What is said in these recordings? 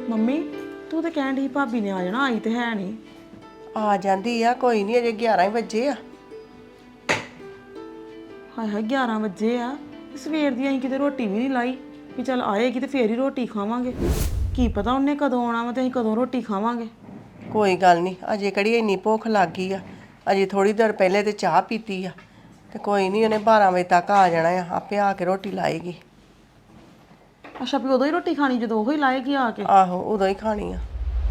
Mummy ਤੂੰ ਤਾਂ ਕਹਿਣ ਡਈ ਭਾਬੀ ਨੇ ਆ ਜਾਣਾ, ਆਈ ਤੇ ਹੈ ਨਹੀਂ। ਆ ਜਾਂਦੀ ਆ, ਕੋਈ ਨਹੀਂ, ਅਜੇ 11 ਹੀ ਵਜੇ ਆ। ਹਾਏ ਹਾਏ 11 ਵਜੇ ਆ ਤੇ ਸਵੇਰ ਦੀ ਅਸੀਂ ਕਿਤੇ ਰੋਟੀ ਵੀ ਨਹੀਂ ਲਾਈ ਵੀ ਚੱਲ ਆਏਗੀ ਤੇ ਫੇਰ ਹੀ ਰੋਟੀ ਖਾਵਾਂਗੇ। ਕੀ ਪਤਾ ਉਹਨੇ ਕਦੋਂ ਆਉਣਾ ਵਾ ਤੇ ਅਸੀਂ ਕਦੋਂ ਰੋਟੀ ਖਾਵਾਂਗੇ। ਕੋਈ ਗੱਲ ਨਹੀਂ, ਅਜੇ ਕਿਹੜੀ ਇੰਨੀ ਭੁੱਖ ਲੱਗ ਗਈ ਆ। ਅਜੇ ਥੋੜੀ ਦੇਰ ਪਹਿਲੇ ਤੇ ਚਾਹ ਪੀਤੀ ਆ ਤੇ ਕੋਈ ਨਹੀਂ, ਉਹਨੇ 12 ਵਜੇ ਤੱਕ ਆ ਜਾਣਾ ਆ, ਆਪੇ ਆ ਕੇ ਰੋਟੀ ਲਾਏਗੀ। ਅੱਛਾ ਵੀ ਉਦੋਂ ਹੀ ਰੋਟੀ ਖਾਣੀ ਜਦੋਂ ਉਹ ਹੀ ਲਾਏਗੀ ਆ ਕੇ? ਆਹੋ, ਉਦੋਂ ਹੀ ਖਾਣੀ ਆ।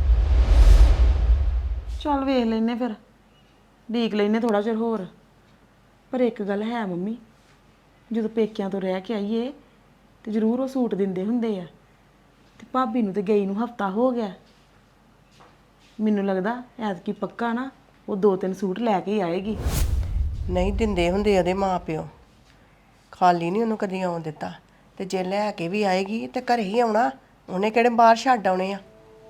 ਚੱਲ ਵੇਖ ਲੈਨੇ ਫਿਰ, ਡੀਕ ਲੈਨੇ ਥੋੜਾ ਚਿਰ ਹੋਰ। ਪਰ ਇੱਕ ਗੱਲ ਹੈ ਮੰਮੀ, ਜਦੋਂ ਪੇਕਿਆਂ ਤੋਂ ਰਹਿ ਕੇ ਆਈਏ ਤੇ ਜ਼ਰੂਰ ਉਹ ਸੂਟ ਦਿੰਦੇ ਹੁੰਦੇ ਆ, ਤੇ ਭਾਬੀ ਨੂੰ ਤੇ ਗਈ ਨੂੰ ਹਫਤਾ ਹੋ ਗਿਆ। ਮੈਨੂੰ ਲੱਗਦਾ ਐਤਕੀ ਪੱਕਾ ਨਾ ਉਹ 2-3 ਸੂਟ ਲੈ ਕੇ ਹੀ ਆਏਗੀ। ਨਹੀਂ ਦਿੰਦੇ ਹੁੰਦੇ ਉਹਦੇ ਮਾਪਿਓ, ਖਾਲੀ ਨਹੀਂ ਉਹਨੂੰ ਕਦੀ ਆਉਣ ਦਿੱਤਾ। ਤੇ ਜੇ ਲੈ ਕੇ ਵੀ ਆਏਗੀ ਤੇ ਘਰੇ ਹੀ ਆਉਣਾ, ਉਹਨੇ ਕਿਹੜੇ ਬਾਹਰ ਛੱਡ ਆਉਣੇ ਆ।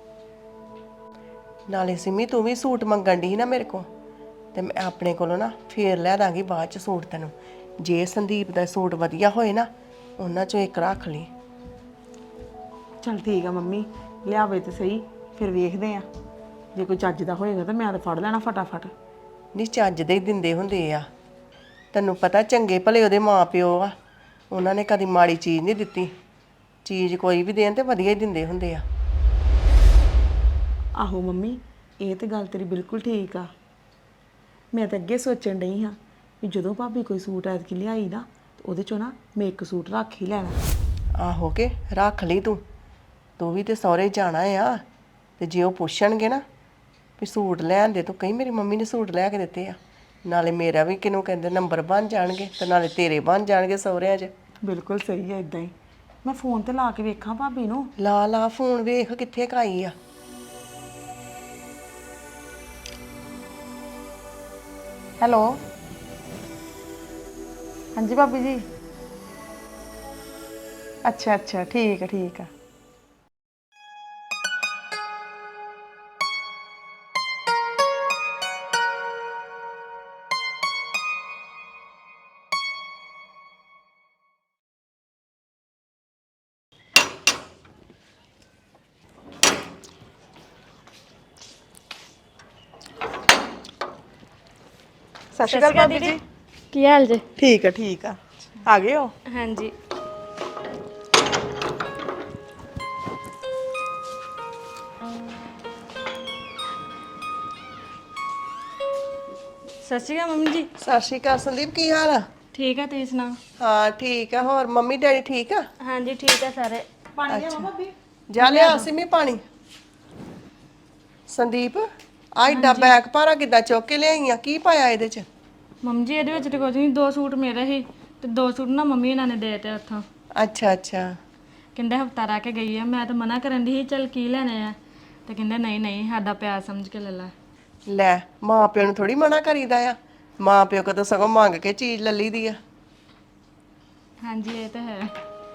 ਨਾਲੇ ਸਿਮੀ ਤੂੰ ਵੀ ਸੂਟ ਮੰਗਣ ਦੀ ਨਾ ਮੇਰੇ ਕੋਲ, ਤੇ ਮੈਂ ਆਪਣੇ ਕੋਲੋਂ ਨਾ ਫੇਰ ਲੈ ਦਾਂਗੀ ਬਾਅਦ ਚ ਸੂਟ ਤੈਨੂੰ। ਜੇ ਸੰਦੀਪ ਦਾ ਸੂਟ ਵਧੀਆ ਹੋਏ ਨਾ, ਉਹਨਾਂ ਚੋਂ ਇੱਕ ਰੱਖ ਲਈ। ਚੱਲ ਠੀਕ ਆ ਮੰਮੀ, ਲਿਆਵੇ ਤੇ ਸਹੀ, ਫਿਰ ਵੇਖਦੇ ਆ। ਜੇ ਕੋਈ ਚੱਜ ਦਾ ਹੋਏਗਾ ਤਾਂ ਮੈਂ ਤਾਂ ਫੜ ਲੈਣਾ ਫਟਾਫਟ। ਨਹੀਂ ਚੱਜ ਦੇ ਹੀ ਦਿੰਦੇ ਹੁੰਦੇ ਆ, ਤੈਨੂੰ ਪਤਾ ਚੰਗੇ ਭਲੇ ਉਹਦੇ ਮਾਪਿਓ ਆ, ਉਹਨਾਂ ਨੇ ਕਦੀ ਮਾੜੀ ਚੀਜ਼ ਨਹੀਂ ਦਿੱਤੀ। ਚੀਜ਼ ਕੋਈ ਵੀ ਦੇਣ ਤੇ ਵਧੀਆ ਹੀ ਦਿੰਦੇ ਹੁੰਦੇ ਆ। ਆਹੋ ਮੰਮੀ, ਇਹ ਤੇ ਗੱਲ ਤੇਰੀ ਬਿਲਕੁਲ ਠੀਕ ਆ। ਮੈਂ ਤਾਂ ਅੱਗੇ ਸੋਚਣ ਡਈ ਹਾਂ ਵੀ ਜਦੋਂ ਭਾਬੀ ਕੋਈ ਸੂਟ ਐਤਕੀ ਲਿਆਈ ਨਾ, ਤੇ ਉਹਦੇ ਚੋਂ ਨਾ ਮੈਂ ਇੱਕ ਸੂਟ ਰੱਖ ਹੀ ਲੈਣਾ। ਆਹੋ ਕੇ ਰੱਖ ਲਈ ਤੂੰ ਵੀ ਤੇ ਸਹੁਰੇ ਜਾਣਾ ਆ। ਤੇ ਜੇ ਉਹ ਪੁੱਛਣਗੇ ਨਾ ਵੀ ਸੂਟ ਲੈਣ ਦੇ, ਤੂੰ ਕਹੀਂ ਮੇਰੀ ਮੰਮੀ ਨੇ ਸੂਟ ਲੈ ਕੇ ਦਿੱਤੇ ਆ। ਨਾਲੇ ਮੇਰਾ ਵੀ ਕਿਹਨੂੰ ਕਹਿੰਦੇ ਨੰਬਰ ਬਣ ਜਾਣਗੇ, ਤੇ ਨਾਲੇ ਤੇਰੇ ਬਣ ਜਾਣਗੇ ਸਹੁਰਿਆਂ 'ਚ। ਬਿਲਕੁਲ ਸਹੀ ਹੈ, ਇਦਾਂ ਹੀ। ਮੈਂ ਫੋਨ ਤੇ ਲਾ ਕੇ ਵੇਖਾਂ ਭਾਬੀ ਨੂੰ। ਲਾ ਫੋਨ, ਵੇਖ ਕਿੱਥੇ ਕਾਈ ਆ। ਹੈਲੋ, ਹਾਂਜੀ ਭਾਬੀ ਜੀ। ਅੱਛਾ ਅੱਛਾ, ਠੀਕ ਆ ਠੀਕ ਆ। ਸਤਿ ਸ਼੍ਰੀ ਅਕਾਲ ਭਾਬੀ ਜੀ। ਕੀ ਹਾਲ ਜੇ? ਠੀਕ ਆ ਠੀਕ ਆ। ਆ ਗਏ ਹੋ? ਹਾਂਜੀ। ਸਤਿ ਸ਼੍ਰੀ ਅਕਾਲ ਮੰਮੀ ਜੀ। ਸਤਿ ਸ਼੍ਰੀ ਅਕਾਲ ਸੰਦੀਪ, ਕੀ ਹਾਲ ਆ? ਠੀਕ ਆ, ਤੁਸੀਂ ਸੁਣਾਓ? ਹਾਂ ਠੀਕ ਆ। ਹੋਰ ਮੰਮੀ ਡੈਡੀ ਠੀਕ ਆ? ਹਾਂਜੀ ਠੀਕ ਆ ਸਾਰੇ। ਪਾਣੀ ਲਿਆਵਾਂ ਭਾਬੀ? ਜਾ ਲਿਆ ਸਿਮੀ ਪਾਣੀ। ਸੰਦੀਪ, ਆ ਏਡਾ ਬੈਗ ਭਾਰਾ ਕਿੱਦਾਂ ਚੁੱਕ ਕੇ ਲਿਆਈ ਆ? ਕੀ ਪਾਇਆ ਇਹਦੇ 'ਚ? ਮੰਮੀ ਜੀ ਇਹਦੇ ਵਿੱਚ ਤੇ ਕੁਝ ਨਹੀਂ, 2 ਸੂਟ ਮੇਰੇ ਸੀ ਤੇ 2 ਸੂਟ ਨਾ ਮੰਮੀ ਇਹਨਾਂ ਨੇ ਦੇ ਤੇ ਉੱਥੋਂ। ਅੱਛਾ ਅੱਛਾ। ਕਹਿੰਦੇ ਹਫਤਾ ਰਹਿ ਕੇ ਗਈ ਆ। ਮੈਂ ਤਾਂ ਮਨਾ ਕਰਨ ਦੀ ਸੀ ਚੱਲ ਕੀ ਲੈਣੇ ਆ, ਤੇ ਕਹਿੰਦੇ ਨਹੀਂ ਨਹੀਂ ਸਾਡਾ ਪਿਆਰ ਸਮਝ ਕੇ ਲੈ ਲੈ। ਲੈ, ਮਾਂ ਪਿਓ ਨੂੰ ਥੋੜੀ ਮਨਾ ਕਰੀਦਾ ਆ। ਮਾਂ ਪਿਓ ਕਦੋਂ ਸਗੋਂ ਮੰਗ ਕੇ ਚੀਜ਼ ਲੈ ਲਈ ਦੀ ਆ। ਹਾਂਜੀ ਇਹ ਤਾਂ ਹੈ।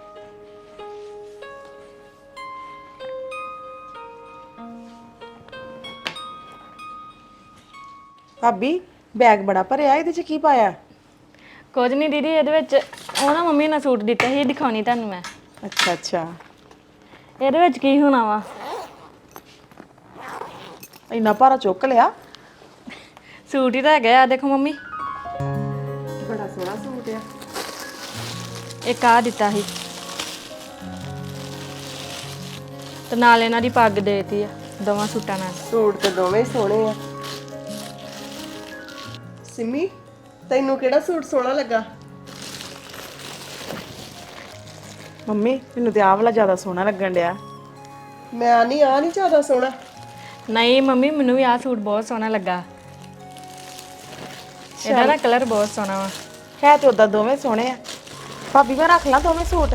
ਭਾਬੀ ਬੈਗ ਬੜਾ ਭਰਿਆ, ਇਹਦੇ 'ਚ ਕੀ ਪਾਇਆ? ਕੁਝ ਨਹੀਂ ਦੀਦੀ, ਇਹਦੇ ਵਿੱਚ ਉਹ ਨਾ ਮੰਮੀ ਨੇ ਸੂਟ ਦਿੱਤਾ ਸੀ, ਦਿਖਾਉਣੀ ਤੁਹਾਨੂੰ ਮੈਂ। ਅੱਛਾ ਅੱਛਾ। ਇਹਦੇ ਵਿੱਚ ਕੀ ਹੋਣਾ ਵਾ? ਇੰਨਾ ਭਾਰਾ ਚੁੱਕ ਲਿਆ? ਸੂਟ ਹੀ ਤਾਂ ਹੈਗਾ ਆ, ਦੇਖੋ ਮੰਮੀ। ਬੜਾ ਸੋਹਣਾ ਸੂਟ ਆ। ਇੱਕ ਆ ਦਿੱਤਾ ਸੀ ਤੇ ਨਾਲ ਇਹਨਾਂ ਦੀ ਪੱਗ ਦੇਤੀ ਆ, ਦੋਵਾਂ ਸੂਟਾਂ ਨਾਲ। ਸੂਟ ਤੇ ਦੋਵੇਂ ਸੋਹਣੇ ਆ। ਸਿਮੀ, ਤੈਨੂੰ ਕਿਹੜਾ ਸੂਟ ਸੋਹਣਾ ਲੱਗਾ? ਮੰਮੀ ਮੈਨੂੰ ਤੇ ਆਹ ਵਾਲਾ ਜ਼ਿਆਦਾ ਸੋਹਣਾ ਲੱਗਣ ਡਿਆ। ਮੈਂ ਨਹੀਂ, ਆ ਨਹੀਂ ਜ਼ਿਆਦਾ ਸੋਹਣਾ? ਨਹੀਂ ਮੰਮੀ, ਮੈਨੂੰ ਵੀ ਆਹ ਸੂਟ ਬਹੁਤ ਸੋਹਣਾ ਲੱਗਾ। ਇਹਦਾ ਨਾ ਕਲਰ ਬਹੁਤ ਸੋਹਣਾ ਵਾ। ਹੈ ਤੇ ਉਦਾਂ ਦੋਵੇਂ ਸੋਹਣੇ ਆ। ਭਾਬੀ ਮੈਂ ਰੱਖ ਲਾਂ ਦੋਵੇਂ ਸੂਟ?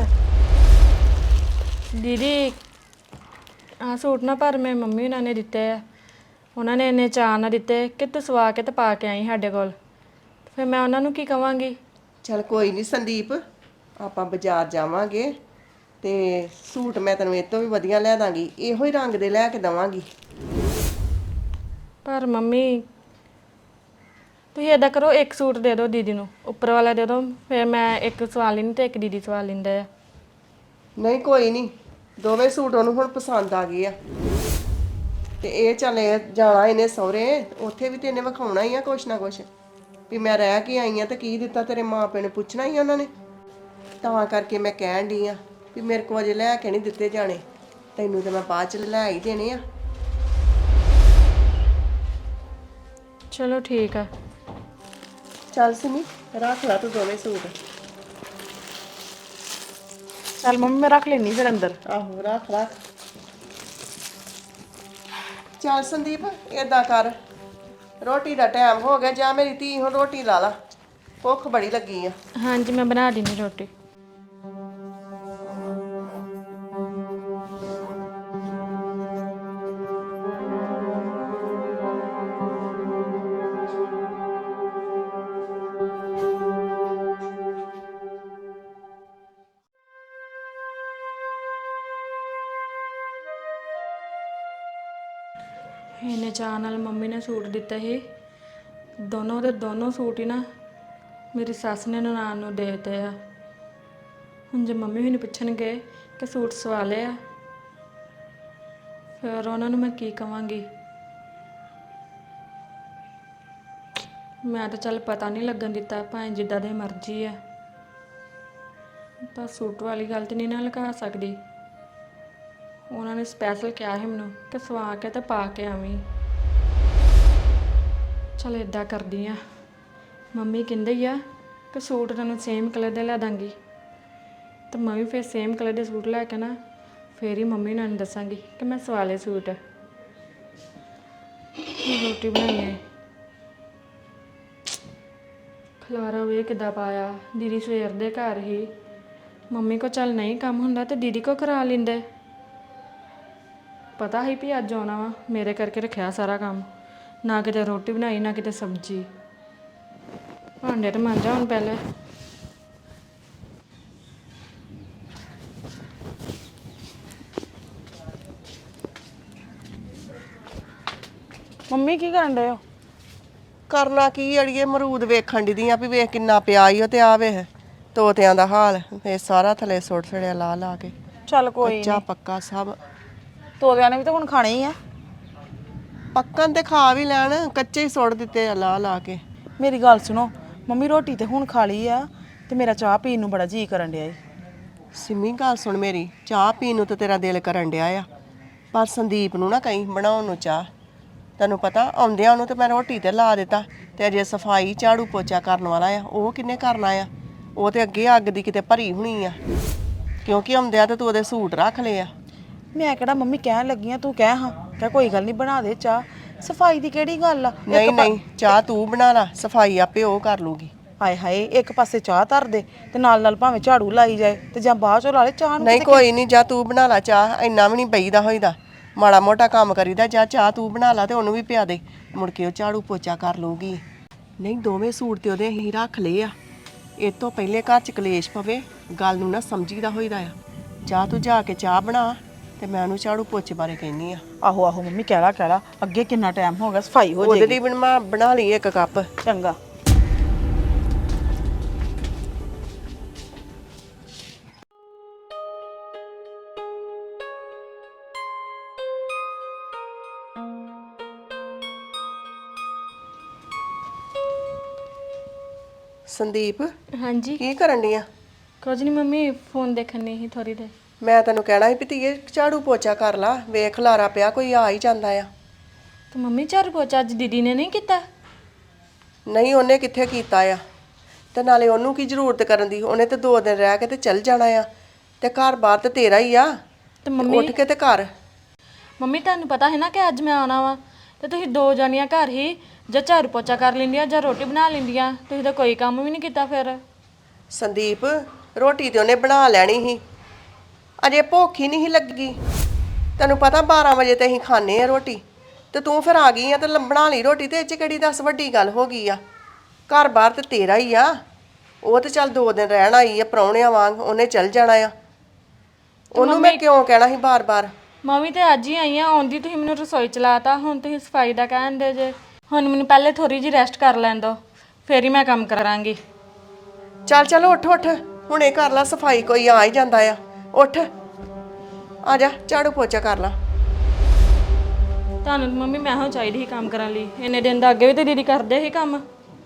ਦੀਦੀ ਆਹ ਸੂਟ ਨਾ ਪਰ ਮੈਂ ਮੰਮੀ ਉਹਨਾਂ ਨੇ ਦਿੱਤੇ ਆ, ਉਹਨਾਂ ਨੇ ਇੰਨੇ ਚਾਅ ਨਾਲ ਦਿੱਤੇ ਕਿ ਤੂੰ ਸਵਾ ਕੇ ਤੇ ਪਾ ਕੇ ਆਈ ਸਾਡੇ ਕੋਲ, ਫਿਰ ਮੈਂ ਉਹਨਾਂ ਨੂੰ ਕੀ ਕਵਾਂਗੀ। ਚਲ ਕੋਈ ਨਹੀਂ ਸੰਦੀਪ, ਆਪਾਂ ਬਾਜ਼ਾਰ ਜਾਵਾਂਗੇ ਤੇ ਸੂਟ ਮੈਂ ਤੈਨੂੰ ਇਹ ਤੋਂ ਵੀ ਵਧੀਆ ਲੈ ਦਾਂਗੀ, ਇਹੋ ਹੀ ਰੰਗ ਦੇ ਲੈ ਕੇ ਦਵਾਂਗੀ। ਪਰ ਮੰਮੀ ਤੁਸੀਂ ਏਦਾਂ ਕਰੋ, ਇੱਕ ਸੂਟ ਦੇ ਦਿਓ ਦੀਦੀ ਨੂੰ, ਉੱਪਰ ਵਾਲਾ ਦੇ ਦਿਓ, ਫਿਰ ਮੈਂ ਇੱਕ ਸਵਾ ਲੈਂਦੀ ਤੇ ਇੱਕ ਦੀਦੀ ਸਵਾ ਲੈਂਦੇ ਆ। ਨਹੀਂ ਕੋਈ ਨਹੀਂ, ਦੋਵੇਂ ਸੂਟ ਉਹਨੂੰ ਹੁਣ ਪਸੰਦ ਆ ਗਏ ਆ ਤੇ ਇਹ ਚੱਲੇ ਜਾਣਾ ਇਹਨੇ ਸਹੁਰੇ ਉੱਥੇ ਵੀ ਤੇ ਇਹਨੇ ਵਿਖਾਉਣਾ ਹੀ ਆ ਕੁਛ ਨਾ ਕੁਛ ਵੀ ਮੈਂ ਰਹਿ ਕੇ ਆਈ ਆ ਤੇ ਕੀ ਦਿੱਤਾ ਤੇਰੇ ਮਾਪੇ ਨੇ ਪੁੱਛਣਾ ਹੀ ਉਹਨਾਂ ਨੇ ਤਾਂ ਕਰਕੇ ਮੈਂ ਕਹਿਣ ਡਈ ਆ ਵੀ ਮੇਰੇ ਕੋਲ ਅਜੇ ਲੈ ਕੇ ਨਹੀਂ ਦਿੱਤੇ ਜਾਣੇ ਤੈਨੂੰ ਤੇ ਮੈਂ ਬਾਅਦ ਚ ਲੈ ਹੀ ਦੇਣੇ ਆ ਚਲੋ ਠੀਕ ਆ। ਚੱਲ ਸਿਮੀ ਰੱਖ ਲਾ ਤੂੰ ਦੋਵੇਂ ਸੂਟ ਚੱਲ ਮੰਮੀ ਮੈਂ ਰੱਖ ਲੈਣੀ ਫਿਰ ਅੰਦਰ। ਆਹੋ ਰੱਖ ਰੱਖ ਚੱਲ ਸੰਦੀਪ ਏਦਾਂ ਕਰ ਰੋਟੀ ਦਾ ਟਾਈਮ ਹੋ ਗਿਆ ਜਾਂ ਮੇਰੀ ਧੀ ਹੁਣ ਰੋਟੀ ਲਾ ਲਾ ਭੁੱਖ ਬੜੀ ਲੱਗੀ ਆ ਹਾਂਜੀ ਮੈਂ ਬਣਾ ਦਿੰਦੀ ਰੋਟੀ। ਇਹਨੇ ਚਾਹ ਨਾਲ ਮੰਮੀ ਨੇ ਸੂਟ ਦਿੱਤਾ ਸੀ ਦੋਨੋਂ ਦੇ ਦੋਨੋਂ ਸੂਟ ਹੀ ਨਾ ਮੇਰੀ ਸੱਸ ਨੇ ਨਨਾਣ ਨੂੰ ਦੇ ਦਿੱਤੇ ਆ। ਹੁਣ ਜੇ ਮੰਮੀ ਵੀ ਨਹੀਂ ਪੁੱਛਣਗੇ ਕਿ ਸੂਟ ਸਵਾ ਲਏ ਆ ਫਿਰ ਉਹਨਾਂ ਨੂੰ ਮੈਂ ਕੀ ਕਵਾਂਗੀ। ਮੈਂ ਤਾਂ ਚੱਲ ਪਤਾ ਨਹੀਂ ਲੱਗਣ ਦਿੱਤਾ ਭਾਵੇਂ ਜਿੱਦਾਂ ਦੇ ਮਰਜ਼ੀ ਆ ਤਾਂ ਸੂਟ ਵਾਲੀ ਗੱਲ ਤੇ ਨਹੀਂ ਨਾ ਲਗਾ ਸਕਦੀ। ਉਹਨਾਂ ਨੇ ਸਪੈਸ਼ਲ ਕਿਹਾ ਸੀ ਮੈਨੂੰ ਕਿ ਸਵਾ ਕੇ ਤੇ ਪਾ ਕੇ ਆਵੀਂ। ਚਲ ਇਦਾਂ ਕਰਦੀ ਆ ਮੰਮੀ ਕਹਿੰਦੇ ਹੀ ਆ ਕਿ ਸੂਟ ਤੈਨੂੰ ਸੇਮ ਕਲਰ ਦੇ ਲੈ ਦਾਂਗੀ ਤੇ ਮੈਂ ਵੀ ਫਿਰ ਸੇਮ ਕਲਰ ਦੇ ਸੂਟ ਲੈ ਕੇ ਨਾ ਫੇਰ ਹੀ ਮੰਮੀ ਨੂੰ ਦੱਸਾਂਗੀ ਕਿ ਮੈਂ ਸਵਾ ਲਏ ਸੂਟ। ਰੋਟੀ ਬਣਾਈ ਹੈ ਖਲਾਰਾ ਵੇ ਕਿੱਦਾਂ ਪਾਇਆ। ਦੀਦੀ ਸਵੇਰ ਦੇ ਘਰ ਹੀ ਮੰਮੀ ਕੋ ਚੱਲ ਨਹੀਂ ਕੰਮ ਹੁੰਦਾ ਤੇ ਦੀਦੀ ਕੋ ਕਰਾ ਲੈਂਦੇ। ਪਤਾ ਹੀ ਵੀ ਅੱਜ ਆਉਣਾ ਵਾ ਮੇਰੇ ਕਰਕੇ ਰੱਖਿਆ ਸਾਰਾ ਕੰਮ ਨਾ ਕਿਤੇ ਰੋਟੀ ਬਣਾਈ ਨਾ ਕਿਤੇ ਸਬਜ਼ੀ। ਭਾਂਡੇ ਤੇ ਮਾਂਜਾ ਹੁਣ ਪਹਿਲੇ। ਮੰਮੀ ਕੀ ਕਰਨ ਡਏ ਹੋ? ਕਰਨਾ ਕੀ ਅੜੀਏ ਮਰੂਦ ਵੇਖਣ ਦੀ ਆ ਵੀ ਵੇਖ ਕਿੰਨਾ ਪਿਆ ਈ ਓ ਤੇ ਆ ਵੇਖ ਤੋਤਿਆਂ ਦਾ ਹਾਲ ਇਹ ਸਾਰਾ ਥੱਲੇ ਸੁੱਟ ਛੜਿਆ ਲਾ ਲਾ ਕੇ ਚੱਲ ਕੋਈ ਕੱਚਾ ਪੱਕਾ ਸਭ ਤੋਰਿਆਂ ਨੇ ਵੀ ਤਾਂ ਹੁਣ ਖਾਣੇ ਹੀ ਆ। ਪੱਕਣ ਤੇ ਖਾ ਵੀ ਲੈਣ ਕੱਚੇ ਹੀ ਸੁੱਟ ਦਿੱਤੇ ਆ ਲਾ ਲਾ ਕੇ। ਮੇਰੀ ਗੱਲ ਸੁਣੋ ਮੰਮੀ ਰੋਟੀ ਤੇ ਹੁਣ ਖਾ ਲਈ ਆ ਤੇ ਮੇਰਾ ਚਾਹ ਪੀਣ ਨੂੰ ਬੜਾ ਜੀ ਕਰਨ ਡਿਆ ਏ। ਸਿੰਮੀ ਗੱਲ ਸੁਣ ਮੇਰੀ ਚਾਹ ਪੀਣ ਨੂੰ ਤਾਂ ਤੇਰਾ ਦਿਲ ਕਰਨ ਡਿਆ ਆ ਪਰ ਸੰਦੀਪ ਨੂੰ ਨਾ ਕਹੀਂ ਬਣਾਉਣ ਨੂੰ ਚਾਹ। ਤੈਨੂੰ ਪਤਾ ਆਉਂਦਿਆਂ ਉਹਨੂੰ ਤੇ ਮੈਂ ਰੋਟੀ ਤੇ ਲਾ ਦਿੱਤਾ ਤੇ ਅਜੇ ਸਫਾਈ ਝਾੜੂ ਪੋਚਾ ਕਰਨ ਵਾਲਾ ਆ ਉਹ ਕਿੰਨੇ ਕਰਨਾ ਆ। ਉਹ ਤੇ ਅੱਗੇ ਅੱਗ ਦੀ ਕਿਤੇ ਭਰੀ ਹੋਣੀ ਆ ਕਿਉਂਕਿ ਆਉਂਦਿਆਂ ਤੇ ਤੂੰ ਉਹਦੇ ਸੂਟ ਰੱਖ ਲਏ ਆ। ਮੈਂ ਕਿਹੜਾ ਮੰਮੀ ਕਹਿਣ ਲੱਗੀ ਆ ਤੂੰ ਕਹਿ ਹਾਂ ਕਹਿ ਕੋਈ ਗੱਲ ਨਹੀਂ ਬਣਾ ਦੇ ਚਾਹ। ਸਫਾਈ ਦੀ ਕਿਹੜੀ ਗੱਲ ਆ? ਨਹੀਂ ਨਹੀਂ ਚਾਹ ਤੂੰ ਬਣਾ ਲਾ ਸਫਾਈ ਆਪੇ ਉਹ ਕਰ ਲੂਗੀ। ਹਾਏ ਹਾਏ ਇੱਕ ਪਾਸੇ ਚਾਹ ਧਰ ਦੇ ਤੇ ਨਾਲ ਨਾਲ ਭਾਵੇਂ ਝਾੜੂ ਲਾਈ ਜਾਏ ਤੇ ਜਾਂ ਬਾਅਦ ਚੋਂ ਲਾ ਲੈ ਚਾਹ ਨੂੰ। ਨਹੀਂ ਕੋਈ ਨਹੀਂ ਜਾ ਤੂੰ ਬਣਾ ਲਾ ਚਾਹ ਇੰਨਾ ਵੀ ਨਹੀਂ ਬਈਦਾ ਹੋਈਦਾ ਮਾੜਾ ਮੋਟਾ ਕੰਮ ਕਰੀਦਾ ਜਾ ਚਾਹ ਤੂੰ ਬਣਾ ਲਾ ਤੇ ਉਹਨੂੰ ਵੀ ਪਿਆ ਦੇ ਮੁੜ ਕੇ ਉਹ ਝਾੜੂ ਪੋਚਾ ਕਰ ਲੂਗੀ। ਨਹੀਂ ਦੋਵੇਂ ਸੂਟ ਤੇ ਉਹਦੇ ਅਸੀਂ ਰੱਖ ਲਏ ਆ ਇਹ ਤੋਂ ਪਹਿਲੇ ਘਰ ਚ ਕਲੇਸ਼ ਪਵੇ ਗੱਲ ਨੂੰ ਨਾ ਸਮਝੀਦਾ ਹੋਈਦਾ ਆ। ਜਾ ਤੂੰ ਜਾ ਕੇ ਚਾਹ ਬਣਾ ਤੇ ਮੈਂ ਉਹਨੂੰ ਝਾੜੂ ਪੋਚੇ ਬਾਰੇ ਕਹਿੰਨੀ ਆ। ਆਹੋ ਆਹੋ ਮੰਮੀ ਕਹਿ ਲਾ ਅੱਗੇ ਕਿੰਨਾ ਟਾਈਮ ਹੋ ਗਿਆ ਸਫਾਈ ਹੋ ਉਹਦੇ ਜਾਏਗੀ। ਲਈ ਬਣਾ ਲਈ ਇੱਕ ਕੱਪ। ਚੰਗਾ। ਸੰਦੀਪ ਹਾਂਜੀ ਕੀ ਕਰਨ ਡਈ ਆ? ਕੁਝ ਨਹੀਂ ਮੰਮੀ ਫੋਨ ਦੇਖਣੀ ਸੀ ਥੋੜੀ ਦੇਰ। ਮੈਂ ਤੈਨੂੰ ਕਹਿਣਾ ਸੀ ਵੀ ਧੀਏ ਝਾੜੂ ਪੋਚਾ ਕਰ ਲਾ ਵੇਖ ਲਾਰਾ ਪਿਆ ਕੋਈ ਆ ਹੀ ਜਾਂਦਾ ਆ। ਤੇ ਮੰਮੀ ਝਾੜੂ ਪੋਚਾ ਅੱਜ ਦੀਦੀ ਨੇ ਨਹੀਂ ਕੀਤਾ? ਨਹੀਂ ਉਹਨੇ ਕਿੱਥੇ ਕੀਤਾ ਆ ਤੇ ਨਾਲੇ ਉਹਨੂੰ ਕੀ ਜ਼ਰੂਰਤ ਕਰਨ ਦੀ ਉਹਨੇ ਤੇ 2 ਦਿਨ ਰਹਿ ਕੇ ਤੇ ਚੱਲ ਜਾਣਾ ਆ ਤੇ ਘਰ ਬਾਹਰ ਤੇ ਤੇਰਾ ਹੀ ਆ ਤੇ ਮੰਮੀ ਉੱਠ ਕੇ ਤੇ ਘਰ। ਮੰਮੀ ਤੁਹਾਨੂੰ ਪਤਾ ਹੈ ਨਾ ਕਿ ਅੱਜ ਮੈਂ ਆਉਣਾ ਵਾ ਤੇ ਤੁਸੀਂ 2 ਜਾਣੀਆਂ ਘਰ ਹੀ ਜਾਂ ਝਾੜੂ ਪੋਚਾ ਕਰ ਲੈਂਦੀਆਂ ਜਾਂ ਰੋਟੀ ਬਣਾ ਲੈਂਦੀਆਂ ਤੁਸੀਂ ਤਾਂ ਕੋਈ ਕੰਮ ਵੀ ਨਹੀਂ ਕੀਤਾ ਫਿਰ। ਸੰਦੀਪ ਰੋਟੀ ਤੇ ਉਹਨੇ ਬਣਾ ਲੈਣੀ ਸੀ ਅਜੇ ਭੁੱਖ ਹੀ ਨਹੀਂ ਸੀ ਲੱਗੀ। ਤੈਨੂੰ ਪਤਾ 12 ਵਜੇ ਤੇ ਅਸੀਂ ਖਾਣੇ ਆ ਰੋਟੀ ਤੇ ਤੂੰ ਫਿਰ ਆ ਗਈ ਆ ਤੇ ਬਣਾ ਲਈ ਰੋਟੀ ਤੇ ਇਹ 'ਚ ਕਿਹੜੀ ਦੱਸ ਵੱਡੀ ਗੱਲ ਹੋ ਗਈ ਆ। ਘਰ ਬਾਹਰ ਤੇ ਤੇਰਾ ਹੀ ਆ ਉਹ ਤੇ ਚੱਲ 2 ਦਿਨ ਰਹਿਣ ਆਈ ਆ ਪ੍ਰਾਹੁਣਿਆਂ ਵਾਂਗ ਉਹਨੇ ਚੱਲ ਜਾਣਾ ਆ। ਉਹਨੂੰ ਮੈਂ ਕਿਉਂ ਕਹਿਣਾ ਸੀ ਬਾਰ-ਬਾਰ। ਮੰਮੀ ਤੇ ਅੱਜ ਹੀ ਆਈ ਆ ਆਉਂਦੀ ਤੁਸੀਂ ਮੈਨੂੰ ਰਸੋਈ ਚਲਾਤਾ ਹੁਣ ਤੁਸੀਂ ਸਫਾਈ ਦਾ ਕਹਿੰਦੇ ਜੇ। ਹੁਣ ਮੈਨੂੰ ਪਹਿਲੇ ਥੋੜੀ ਜਿਹੀ ਰੈਸਟ ਕਰ ਲੈਣ ਦਿਓ ਫੇਰ ਹੀ ਮੈਂ ਕੰਮ ਕਰਾਂਗੀ। ਚੱਲ ਉੱਠ ਹੁਣੇ ਕਰ ਲਾ ਸਫਾਈ ਕੋਈ ਆ ਹੀ ਜਾਂਦਾ ਆ ਉੱਠ ਆ ਜਾ ਝਾੜੂ ਪੋਚਾ ਕਰ ਲਾ। ਤੁਹਾਨੂੰ ਮੰਮੀ ਮੈਂ ਹੋ ਚਾਹੀਦੀ ਸੀ ਕੰਮ ਕਰਨ ਲਈ, ਇੰਨੇ ਦਿਨ ਦਾ ਅੱਗੇ ਵੀ ਤੇ ਦੀਦੀ ਕਰਦੇ ਸੀ ਕੰਮ।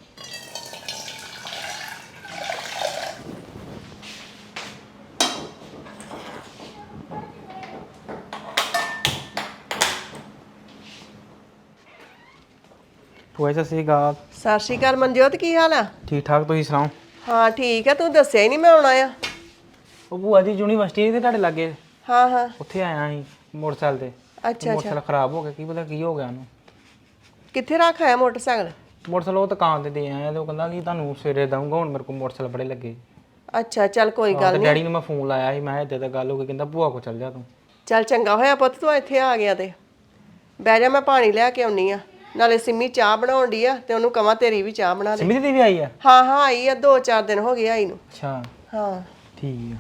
ਭੂਆ ਜੀ ਸਤਿ ਸ਼੍ਰੀ ਅਕਾਲ। ਸਤਿ ਸ਼੍ਰੀ ਅਕਾਲ ਮਨਜੋਤ, ਕੀ ਹਾਲ ਆ? ਠੀਕ ਠਾਕ, ਤੁਸੀਂ ਸੁਣਾਓ? ਹਾਂ ਠੀਕ ਆ, ਤੂੰ ਦੱਸਿਆ ਹੀ ਨਹੀਂ ਮੈਂ ਆਉਣਾ ਆ। ਉਹ ਭੂਆ ਜੀ ਯੂਨੀਵਰਸਿਟੀ ਦੇ ਤੁਹਾਡੇ ਲਾਗੇ, ਹਾਂ ਹਾਂ, ਉੱਥੇ ਆਇਆ ਸੀ ਮੋਟਰਸਾਈਕਲ ਤੇ। ਅੱਛਾ ਮੋਟਰਸਾਈਕਲ ਖਰਾਬ ਹੋ ਗਿਆ, ਕੀ ਪਤਾ ਕੀ ਹੋ ਗਿਆ ਉਹਨੂੰ। ਕਿੱਥੇ ਰੱਖ ਆਇਆ ਮੋਟਰਸਾਈਕਲ? ਮੋਟਰਸਾਈਕਲ ਉਹ ਦੁਕਾਨ ਤੇ ਦੇ ਆਇਆ ਤੇ ਉਹ ਕਹਿੰਦਾ ਕਿ ਤੁਹਾਨੂੰ ਸਵੇਰੇ ਦਊਂਗਾ, ਹੁਣ ਮੇਰੇ ਕੋਲ ਮੋਟਰਸਾਈਕਲ ਬੜੇ ਲੱਗੇ। ਅੱਛਾ ਚੱਲ ਕੋਈ ਗੱਲ ਤੇ ਨਹੀਂ। ਡੈਡੀ ਨੂੰ ਮੈਂ ਫੋਨ ਲਾਇਆ ਸੀ, ਮੈਂ ਕਿਹਾ ਏਦਾਂ ਤਾਂ ਗੱਲ ਹੋ ਗਈ, ਕਹਿੰਦਾ ਭੂਆ ਕੋ ਚੱਲ ਜਾ ਤੂੰ। ਚੱਲ ਚੰਗਾ ਹੋਇਆ ਪੁੱਤ ਤੂੰ ਇੱਥੇ ਆ ਗਿਆ ਤੇ ਬਹਿ ਜਾ, ਮੈਂ ਪਾਣੀ ਲੈ ਕੇ ਆਉਣੀ ਆ। ਨਾਲੇ ਸਿੰਮੀ ਚਾਹ ਬਣਾਉਣ ਡਈ ਆ ਤੇ ਉਹਨੂੰ ਕਵਾਂ ਤੇਰੀ ਵੀ ਚਾਹ ਬਣਾ ਦੇ। ਸਿੰਮੀ ਦੀ ਵੀ ਆਈ ਆ? ਹਾਂ ਹਾਂ ਆਈ ਆ, 2-4 ਦਿਨ ਹੋ ਗਏ ਆਈ ਨੂੰ। ਅੱਛਾ ਹਾਂ ਠੀਕ ਆ।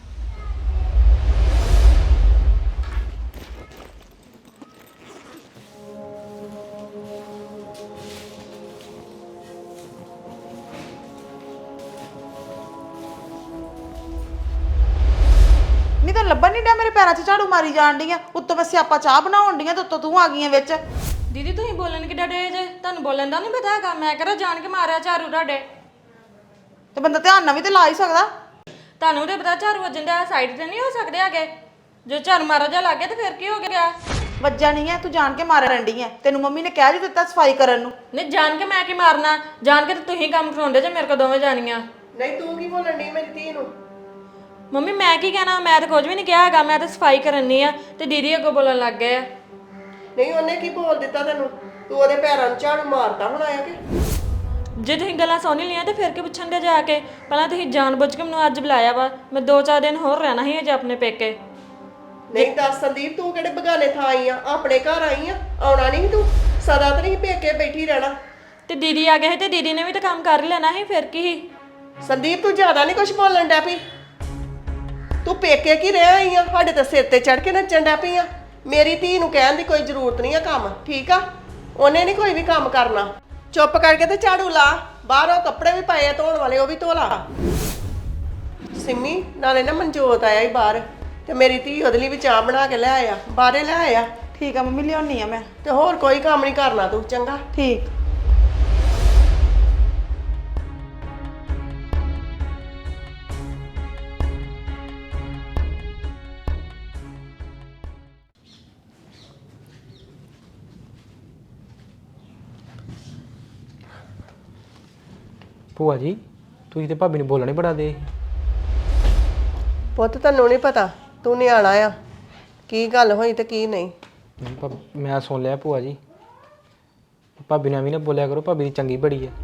ਨਹੀਂ ਤਾਂ ਲੱਭਣ ਨਹੀਂ ਡਿਆ, ਮੇਰੇ ਪੈਰਾਂ 'ਚ ਝਾੜੂ ਮਾਰੀ ਜਾਣ ਡੀਆਂ, ਉੱਤੋਂ ਮੈਂ ਸਿਆਪਾ ਚਾਹ ਬਣਾਉਣ ਡੀਆਂ ਤੇ ਉੱਤੋਂ ਤੂੰ ਆ ਗਈਆਂ ਵਿੱਚ। ਦੀਦੀ ਤੁਸੀਂ ਬੋਲਣ ਕਿੱਡਾ ਡੇ ਜੇ? ਤੁਹਾਨੂੰ ਬੋਲਣ ਦਾ ਨਹੀਂ ਪਤਾ ਹੈਗਾ? ਮੈਂ ਕਿਹੜਾ ਜਾਣ ਕੇ ਮਾਰਿਆ ਝਾੜੂ ਤੁਹਾਡੇ? ਤੇ ਬੰਦਾ ਧਿਆਨ ਨਾਲ ਵੀ ਤੇ ਲਾ ਹੀ ਸਕਦਾ। ਤੁਹਾਨੂੰ ਤੇ ਪਤਾ ਝਾੜੂ ਵੱਜਣ ਦਾ ਸਾਈਡ ਤੇ ਨਹੀਂ ਹੋ ਸਕਦੇ ਹੈਗੇ। ਜੇ ਝਾੜੂ ਮਾਰਾ ਜਾ ਲੱਗ ਗਿਆ ਤੇ ਫਿਰ ਕੀ ਹੋ ਗਿਆ? ਵੱਜਾ ਨਹੀਂ ਹੈ, ਤੂੰ ਜਾਣ ਕੇ ਮਾਰਨ ਡਈ ਹੈ। ਤੈਨੂੰ ਮੰਮੀ ਨੇ ਕਹਿ ਦਿੱਤਾ ਸਫਾਈ ਕਰਨ ਨੂੰ। ਨਹੀਂ ਜਾਣ ਕੇ ਮੈਂ ਕੀ ਮਾਰਨਾ? ਜਾਣ ਕੇ ਤੇ ਤੁਸੀਂ ਕੰਮ ਕਰਾਉਂਦੇ ਜੇ ਮੇਰੇ ਕੋਲ ਦੋਵੇਂ ਜਾਣੀਆਂ। ਨਹੀਂ ਤੂੰ ਕੀ ਬੋਲਣ ਡਈ ਮੇਰੀ ਧੀ ਨੂੰ? ਮੰਮੀ ਮੈਂ ਕੀ ਕਹਿਣਾ? ਮੈਂ ਤਾਂ ਕੁਝ ਵੀ ਨਹੀਂ ਕਿਹਾ ਹੈਗਾ, ਮੈਂ ਤਾਂ ਸਫਾਈ ਕਰਨੀ ਆ ਤੇ ਦੀਦੀ ਅੱਗੋਂ ਬੋਲਣ ਲੱਗ ਗਏ ਆ। ਨਹੀਂ ਉਹਨੇ ਕੀ ਬੋਲ ਦਿੱਤਾ ਤੈਨੂੰ? ਤੂੰ ਉਹਦੇ ਪੈਰਾਂ ਨੂੰ ਝਾੜੂ ਮਾਰਦਾ ਹੋਣਾ ਆ ਕਿ? ਜੇ ਤੁਸੀਂ ਗੱਲਾਂ ਸੁਣ ਹੀ ਲਈਆਂ ਤੇ ਫਿਰ ਕੀ ਪੁੱਛਣ ਦੇ ਜਾ ਕੇ? ਪਹਿਲਾਂ ਤੁਸੀਂ ਜਾਣ-ਬੁੱਝ ਕੇ ਮੈਨੂੰ ਅੱਜ ਬੁਲਾਇਆ ਵਾ, ਮੈਂ 2-4 ਦਿਨ ਹੋਰ ਰਹਿਣਾ ਸੀ ਅਜੇ ਆਪਣੇ ਪੇਕੇ। ਨਹੀਂ ਦੱਸ ਸੰਦੀਪ, ਤੂੰ ਕਿਹੜੇ ਬਗਾਨੇ ਥਾਂ ਆਈ ਆ? ਆਪਣੇ ਘਰ ਆਈ ਆ, ਆਉਣਾ ਨਹੀਂ ਤੂੰ? ਸਦਾ ਤਾਂ ਨਹੀਂ ਪੇਕੇ ਬੈਠੀ ਰਹਿਣਾ। ਤੇ ਦੀਦੀ ਆ ਗਏ ਸੀ ਤੇ ਦੀਦੀ ਨੇ ਵੀ ਤਾਂ ਕੰਮ ਕਰ ਹੀ ਲੈਣਾ ਸੀ, ਫਿਰ ਕੀ ਸੀ? ਸੰਦੀਪ ਤੂੰ ਜ਼ਿਆਦਾ ਨਹੀਂ ਕੁਝ ਬੋਲਣ ਡੈ ਪਈ। ਤੂੰ ਪੇਕੇ ਕੀ ਰਹਿ ਆਈ ਆ? ਸਾਡੇ ਤੇ ਸਿਰ ਤੇ ਚੜ ਕੇ ਨੱਚਣ ਡੈ ਪਈ ਆ। ਮੇਰੀ ਧੀ ਨੂੰ ਕਹਿਣ ਦੀ ਕੋਈ ਜ਼ਰੂਰਤ ਨਹੀਂ ਆ ਕੰਮ, ਠੀਕ ਆ? ਉਹਨੇ ਨਹੀਂ ਕੋਈ ਵੀ ਕੰਮ ਕਰਨਾ। ਚੁੱਪ ਕਰਕੇ ਤੇ ਝਾੜੂ ਲਾ, ਬਾਹਰੋਂ ਕੱਪੜੇ ਵੀ ਪਏ ਆ ਧੋਣ ਵਾਲੇ, ਉਹ ਵੀ ਧੋ ਲਾ। ਸਿੰਮੀ ਨਾਲੇ ਨਾ ਮਨਜੋਤ ਆਇਆ ਹੀ ਬਾਹਰ ਤੇ ਮੇਰੀ ਧੀ ਉਹਦੇ ਲਈ ਵੀ ਚਾਹ ਬਣਾ ਕੇ ਲੈ ਆਇਆ, ਬਾਹਰੇ ਲੈ ਆਇਆ। ਠੀਕ ਆ ਮੰਮੀ, ਲਿਆਉਣੀ ਆ ਮੈਂ। ਤੇ ਹੋਰ ਕੋਈ ਕੰਮ ਨਹੀਂ ਕਰਨਾ ਤੂੰ, ਚੰਗਾ? ਠੀਕ। ਭੂਆ ਜੀ ਤੁਸੀਂ ਤੇ ਭਾਬੀ ਨੂੰ ਬੋਲਣਾ ਹੀ ਬੜਾ ਦੇ। ਪੁੱਤ ਤੈਨੂੰ ਨਹੀਂ ਪਤਾ, ਤੂੰ ਨਿਆਣਾ ਆ, ਕੀ ਗੱਲ ਹੋਈ ਤੇ ਕੀ ਨਹੀਂ। ਮੈਂ ਸੁਣ ਲਿਆ ਭੂਆ ਜੀ, ਭਾਬੀ ਨੇ ਵੀ ਨਾ ਬੋਲਿਆ ਕਰੋ, ਭਾਬੀ ਦੀ ਚੰਗੀ ਬੜੀ ਹੈ।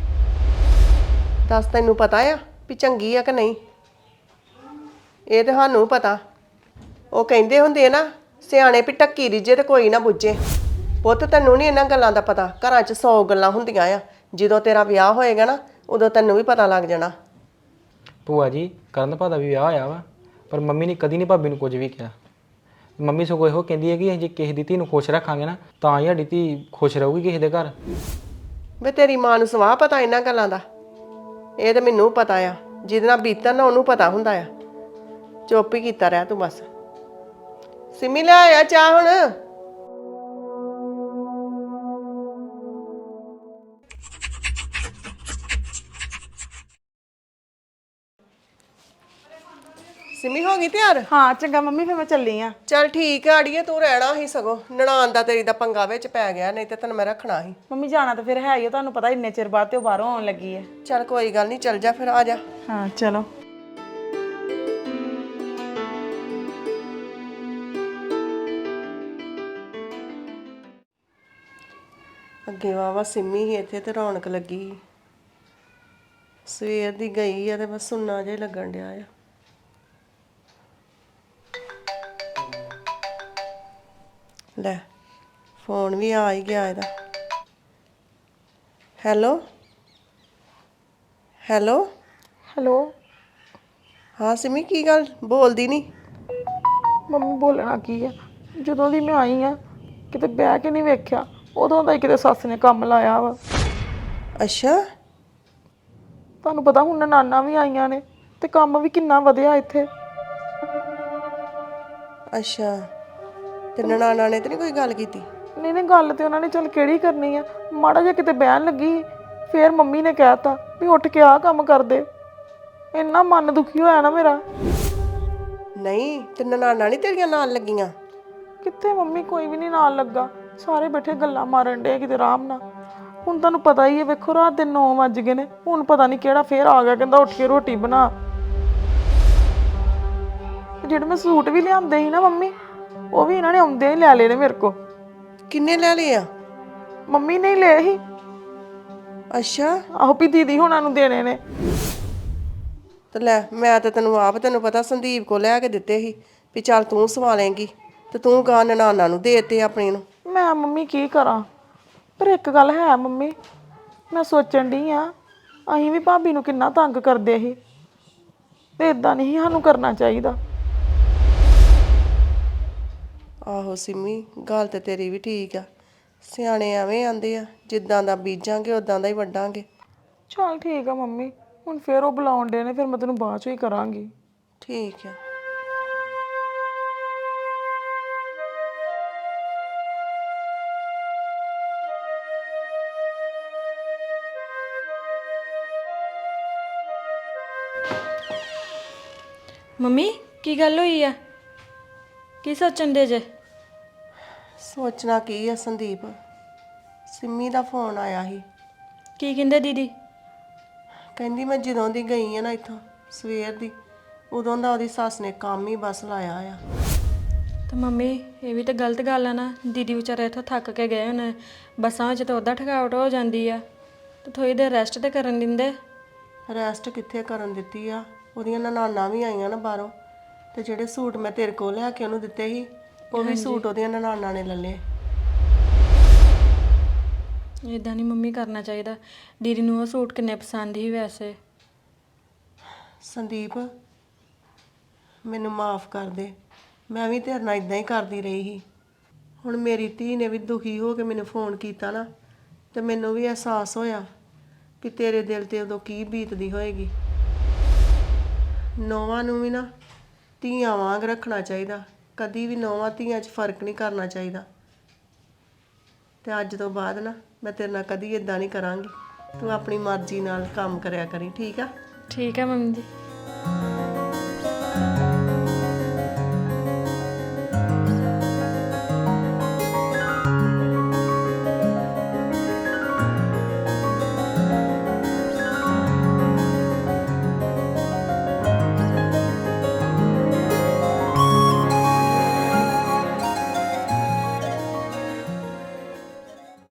ਦੱਸ ਤੈਨੂੰ ਪਤਾ ਆ ਵੀ ਚੰਗੀ ਆ ਕਿ ਨਹੀਂ? ਇਹ ਤੇ ਸਾਨੂੰ ਪਤਾ। ਉਹ ਕਹਿੰਦੇ ਹੁੰਦੇ ਨਾ ਸਿਆਣੇ ਵੀ ਟੱਕੀ ਰਿੱਝੇ ਤੇ ਕੋਈ ਨਾ ਬੁੱਝੇ। ਪੁੱਤ ਤੈਨੂੰ ਨਹੀਂ ਇਹਨਾਂ ਗੱਲਾਂ ਦਾ ਪਤਾ, ਘਰਾਂ 'ਚ 100 ਗੱਲਾਂ ਹੁੰਦੀਆਂ ਆ। ਜਦੋਂ ਤੇਰਾ ਵਿਆਹ ਹੋਏਗਾ ਨਾ ਉਦੋਂ ਤੈਨੂੰ ਵੀ ਪਤਾ ਲੱਗ ਜਾਣਾ। ਭੂਆ ਜੀ ਕਰਨ ਭਾ ਦਾ ਵੀ ਵਿਆਹ ਹੋਇਆ ਵਾ, ਪਰ ਮੰਮੀ ਨੇ ਕਦੀ ਨਹੀਂ ਭਾਬੀ ਨੂੰ ਕੁਝ ਵੀ ਕਿਹਾ। ਮੰਮੀ ਸਗੋਂ ਇਹੋ ਕਹਿੰਦੀ ਹੈ ਕਿ ਜੇ ਕਿਸੇ ਦੀ ਧੀ ਨੂੰ ਖੁਸ਼ ਰੱਖਾਂਗੇ ਨਾ ਤਾਂ ਹੀ ਸਾਡੀ ਧੀ ਖੁਸ਼ ਰਹੂਗੀ ਕਿਸੇ ਦੇ ਘਰ। ਵੇ ਤੇਰੀ ਮਾਂ ਨੂੰ ਸਵਾਹ ਪਤਾ ਇਹਨਾਂ ਗੱਲਾਂ ਦਾ? ਇਹ ਤਾਂ ਮੈਨੂੰ ਪਤਾ ਆ, ਜਿਹਦੇ ਨਾਲ ਬੀਤਣ ਨਾ ਉਹਨੂੰ ਪਤਾ ਹੁੰਦਾ ਆ। ਚੁੱਪ ਹੀ ਕੀਤਾ ਰਹਿ ਤੂੰ ਬਸ। ਸਿੰਮੀ ਲੈ ਆਇਆ ਚਾਹ ਹੁਣ। ਸਿੰਮੀ ਹੋ ਗਈ ਤਿਆਰ? ਹਾਂ ਚੰਗਾ ਮੰਮੀ, ਫਿਰ ਮੈਂ ਚੱਲੀ ਆ। ਚੱਲ ਠੀਕ ਆ ਅੜੀਏ, ਤੂੰ ਰਹਿਣਾ ਹੀ ਸਗੋਂ। ਨਨਾਣ ਦਾ ਤੇਰੀ ਦਾ ਪੰਗਾ ਵਿੱਚ ਪੈ ਗਿਆ, ਨਹੀਂ ਤੇ ਤੈਨੂੰ ਮੈਂ ਰੱਖਣਾ ਸੀ। ਮੰਮੀ ਜਾਣਾ ਤਾਂ ਫਿਰ ਹੈ ਹੀ ਆ, ਤੁਹਾਨੂੰ ਪਤਾ ਇੰਨੇ ਚਿਰ ਬਾਅਦ ਤੇ ਉਹ ਬਾਹਰੋਂ ਆਉਣ ਲੱਗੀ ਹੈ। ਚੱਲ ਕੋਈ ਗੱਲ ਨਹੀਂ, ਚੱਲ ਜਾ ਫਿਰ, ਆ ਜਾ। ਹਾਂ ਚਲੋ। ਅੱਗੇ ਵਾਵਾ ਸਿੰਮੀ ਹੀ ਇੱਥੇ ਤੇ ਰੌਣਕ ਲੱਗੀ। ਸਵੇਰ ਦੀ ਗਈ ਆ ਤੇ ਬਸ ਸੁੰਨਾ ਜਿਹਾ ਲੱਗਣ ਡਿਆ ਆ। ਲੈ ਫੋਨ ਵੀ ਆ ਹੀ ਗਿਆ ਇਹਦਾ। Hello hello hello. ਹਾਂ ਸਿੰਮੀ, ਕੀ ਗੱਲ ਬੋਲਦੀ ਨਹੀਂ? ਮੰਮੀ ਬੋਲਣਾ ਕੀ ਆ, ਜਦੋਂ ਦੀ ਮੈਂ ਆਈ ਆ ਕਿਤੇ ਬਹਿ ਕੇ ਨਹੀਂ ਵੇਖਿਆ, ਉਦੋਂ ਦਾ ਹੀ ਕਿਤੇ ਸੱਸ ਨੇ ਕੰਮ ਲਾਇਆ ਵਾ। ਅੱਛਾ ਤੁਹਾਨੂੰ ਪਤਾ ਹੁਣ ਨਾਨਾ ਵੀ ਆਈਆਂ ਨੇ ਤੇ ਕੰਮ ਵੀ ਕਿੰਨਾ ਵਧਿਆ ਇੱਥੇ। ਅੱਛਾ, ਤੇ ਨਨਾਣਾ ਨੇ ਤੇ ਨਹੀਂ ਕੋਈ ਗੱਲ ਕੀਤੀ? ਨਹੀਂ ਨਹੀਂ, ਗੱਲ ਤੇ ਉਹਨਾਂ ਨੇ ਚੱਲ ਕਿਹੜੀ ਕਰਨੀ ਆ, ਮਾੜਾ ਜਿਹਾ ਕਿਤੇ ਬਹਿਣ ਲੱਗੀ ਫੇਰ ਮੰਮੀ ਨੇ ਕਹਿਤਾ ਵੀ ਉੱਠ ਕੇ ਆਹ ਕੰਮ ਕਰ ਦੇ। ਇੰਨਾ ਮਨ ਦੁਖੀ ਹੋਇਆ ਨਾ ਮੇਰਾ। ਨਹੀਂ ਤੇ ਨਨਾਣਾ ਨਹੀਂ ਤੇਰੀਆਂ ਨਾਲ ਲੱਗੀਆਂ? ਕਿੱਥੇ ਮੰਮੀ, ਕੋਈ ਵੀ ਨਹੀਂ ਨਾਲ ਲੱਗਾ। ਸਾਰੇ ਬੈਠੇ ਗੱਲਾਂ ਮਾਰਨ ਡੇ ਕਿਤੇ ਆਰਾਮ ਨਾਲ। ਹੁਣ ਤੁਹਾਨੂੰ ਪਤਾ ਹੀ ਹੈ, ਵੇਖੋ ਰਾਤ ਦੇ 9 ਵੱਜ ਗਏ ਨੇ, ਹੁਣ ਪਤਾ ਨਹੀਂ ਕਿਹੜਾ ਫੇਰ ਆ ਗਿਆ ਕਹਿੰਦਾ ਉੱਠ ਕੇ ਰੋਟੀ ਬਣਾ। ਜਿਹੜੇ ਮੈਂ ਸੂਟ ਵੀ ਲਿਆਂਦੇ ਸੀ ਨਾ ਮੰਮੀ, ਉਹ ਵੀ ਇਹਨਾਂ ਨੇ ਆਉਂਦਿਆਂ ਹੀ ਲੈ ਲਏ ਨੇ ਮੇਰੇ ਕੋ। ਕਿੰਨੇ ਲੈ ਲਏ ਆ? ਮੰਮੀ ਨੇ ਹੀ ਲਏ ਸੀ। ਅੱਛਾ, ਆਹੋ ਵੀ ਦੀਦੀ ਹੁਣਾਂ ਨੂੰ ਦੇਣੇ ਨੇ। ਤੇ ਲੈ ਮੈਂ ਤਾਂ ਤੈਨੂੰ ਪਤਾ ਸੰਦੀਪ ਕੋ ਲੈ ਕੇ ਦਿੱਤੇ ਸੀ ਵੀ ਚੱਲ ਤੂੰ ਸਵਾ ਲੇਂਗੀ, ਤੇ ਤੂੰ ਗਾਂ ਨਨਾਣਾ ਨੂੰ ਦੇਤੇ ਆਪਣੀ ਨੂੰ। ਮੈਂ ਮੰਮੀ ਕੀ ਕਰਾਂ, ਪਰ ਇੱਕ ਗੱਲ ਹੈ ਮੰਮੀ, ਮੈਂ ਸੋਚਣ ਡਈ ਆ ਅਸੀਂ ਵੀ ਭਾਬੀ ਨੂੰ ਕਿੰਨਾ ਤੰਗ ਕਰਦੇ ਸੀ, ਤੇ ਇਦਾਂ ਨਹੀਂ ਸਾਨੂੰ ਕਰਨਾ ਚਾਹੀਦਾ। ਆਹੋ ਸਿੰਮੀ, ਗੱਲ ਤੇ ਤੇਰੀ ਵੀ ਠੀਕ ਆ। ਸਿਆਣੇ ਐਵੇਂ ਆਂਦੇ ਆ, ਜਿੱਦਾਂ ਦਾ ਬੀਜਾਂਗੇ ਉਦਾਂ ਦਾ ਹੀ ਵੱਢਾਂਗੇ। ਚਲ ਠੀਕ ਆ ਮੰਮੀ, ਹੁਣ ਫੇਰ ਉਹ ਬੁਲਾਉਣ ਡੇ ਨੇ, ਫਿਰ ਮੈਂ ਤੈਨੂੰ ਬਾਅਦ ਚੋਂ ਹੀ ਕਰਾਂਗੀ। ਠੀਕ ਆ। ਮੰਮੀ ਕੀ ਗੱਲ ਹੋਈ ਆ? ਕੀ ਸੋਚਣ ਦੇ ਜੇ? ਸੋਚਣਾ ਕੀ ਆ ਸੰਦੀਪ, ਸਿੰਮੀ ਦਾ ਫੋਨ ਆਇਆ ਸੀ। ਕੀ ਕਹਿੰਦੇ ਦੀਦੀ? ਕਹਿੰਦੀ ਮੈਂ ਜਦੋਂ ਦੀ ਗਈ ਆ ਨਾ ਇੱਥੋਂ, ਸਵੇਰ ਦੀ, ਉਦੋਂ ਦਾ ਉਹਦੀ ਸੱਸ ਨੇ ਕੰਮ ਹੀ ਬਸ ਲਾਇਆ ਆ। ਤੇ ਮੰਮੀ ਇਹ ਵੀ ਤਾਂ ਗਲਤ ਗੱਲ ਆ ਨਾ, ਦੀਦੀ ਵਿਚਾਰੇ ਇੱਥੋਂ ਥੱਕ ਕੇ ਗਏ ਹੁਣ, ਬੱਸਾਂ ਵਿੱਚ ਤਾਂ ਉੱਦਾਂ ਥਕਾਵਟ ਹੋ ਜਾਂਦੀ ਆ, ਤੇ ਥੋੜੀ ਦੇਰ ਰੈਸਟ ਤੇ ਕਰਨ ਦਿੰਦੇ। ਰੈਸਟ ਕਿੱਥੇ ਕਰਨ ਦਿੱਤੀ ਆ, ਉਹਦੀਆਂ ਨਨਾਣਾਂ ਵੀ ਆਈਆਂ ਨਾ ਬਾਹਰੋਂ, ਤੇ ਜਿਹੜੇ ਸੂਟ ਮੈਂ ਤੇਰੇ ਕੋਲ ਲਿਆ ਕੇ ਉਹਨੂੰ ਦਿੱਤੇ ਸੀ, ਉਹ ਵੀ ਸੂਟ ਉਹਦੀਆਂ ਨਨਾਣਾਂ ਨੇ ਲੈ ਲਏ। ਇਦਾਂ ਨਹੀਂ ਮੰਮੀ ਕਰਨਾ ਚਾਹੀਦਾ। ਦੀਦੀ ਨੂੰ ਉਹ ਸੂਟ ਕਿੰਨੇ ਪਸੰਦ ਸੀ ਵੈਸੇ। ਸੰਦੀਪ ਮੈਨੂੰ ਮਾਫ ਕਰ ਦੇ, ਮੈਂ ਵੀ ਤੇਰੇ ਨਾਲ ਇਦਾਂ ਹੀ ਕਰਦੀ ਰਹੀ ਸੀ। ਹੁਣ ਮੇਰੀ ਧੀ ਨੇ ਵੀ ਦੁਖੀ ਹੋ ਕੇ ਮੈਨੂੰ ਫੋਨ ਕੀਤਾ ਨਾ, ਤੇ ਮੈਨੂੰ ਵੀ ਅਹਿਸਾਸ ਹੋਇਆ ਕਿ ਤੇਰੇ ਦਿਲ ਤੇ ਉਦੋਂ ਕੀ ਬੀਤਦੀ ਹੋਏਗੀ। ਨੌਵਾਂ ਨੂੰ ਵੀ ਨਾ ਧੀਆਂ ਵਾਂਗ ਰੱਖਣਾ ਚਾਹੀਦਾ, ਕਦੀ ਵੀ ਨੌਵਾਂ ਧੀਆਂ 'ਚ ਫਰਕ ਨਹੀਂ ਕਰਨਾ ਚਾਹੀਦਾ। ਤੇ ਅੱਜ ਤੋਂ ਬਾਅਦ ਨਾ ਮੈਂ ਤੇਰੇ ਨਾਲ ਕਦੀ ਇਦਾਂ ਨਹੀਂ ਕਰਾਂਗੀ। ਤੂੰ ਆਪਣੀ ਮਰਜ਼ੀ ਨਾਲ ਕੰਮ ਕਰਿਆ ਕਰੀ, ਠੀਕ ਆ? ਠੀਕ ਹੈ ਮੰਮੀ ਜੀ।